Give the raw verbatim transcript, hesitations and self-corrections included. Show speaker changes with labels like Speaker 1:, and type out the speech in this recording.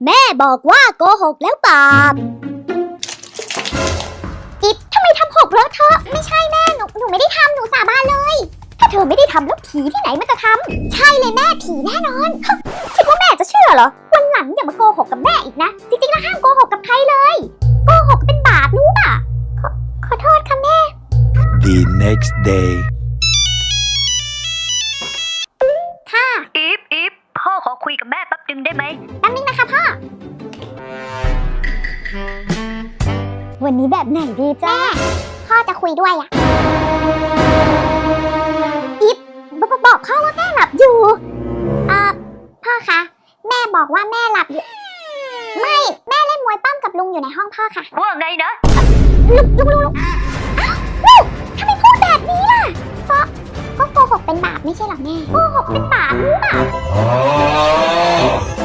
Speaker 1: แม่บอกว่าโกหกแล้วบาปจิ๊บทำไมทำหกเลอะเทอะไม่ใช่แม่หนูหนูไม่ได้ทำหนูสาบานเลยถ้าเธอไม่ได้ทำแล้วผีที่ไหนมันจะทำใช่เลยแม่ผีแน่นอนคิดว่าแม่จะเชื่อเหรอวันหลังอย่ามาโกหกกับแม่อีกนะจริงๆแล้วห้ามโกหกกับใครเลยโกหกเป็นบาปรู้ป่ะขอขอโทษค่ะแม่
Speaker 2: The next day
Speaker 1: ค่ะ
Speaker 3: อีฟอีฟพ่อขอคุยกับแม่แป๊บนึงได้ไหม
Speaker 1: แป๊บนึงนะคะพ่อวันนี้แบบไหนดีจ้าพ่อจะคุยด้วยอะอิฟบบอกพ่อว่าแม่หลับอยู่อ่าพ่อคะแม่บอกว่าแม่หลับอยู่ไม่แม่เล่นมวยปั้มกับลุงอยู่ในห้องพ่อค่ะ
Speaker 3: ว่าไงนะ
Speaker 1: ลุงลุงลุงลุงอ้าวลูกทำไมพูดแบบนี้ล่ะเพราะก็โกหกเป็นบาปไม่ใช่หรอแม่โกหกเป็นบาปรู้ป่ะ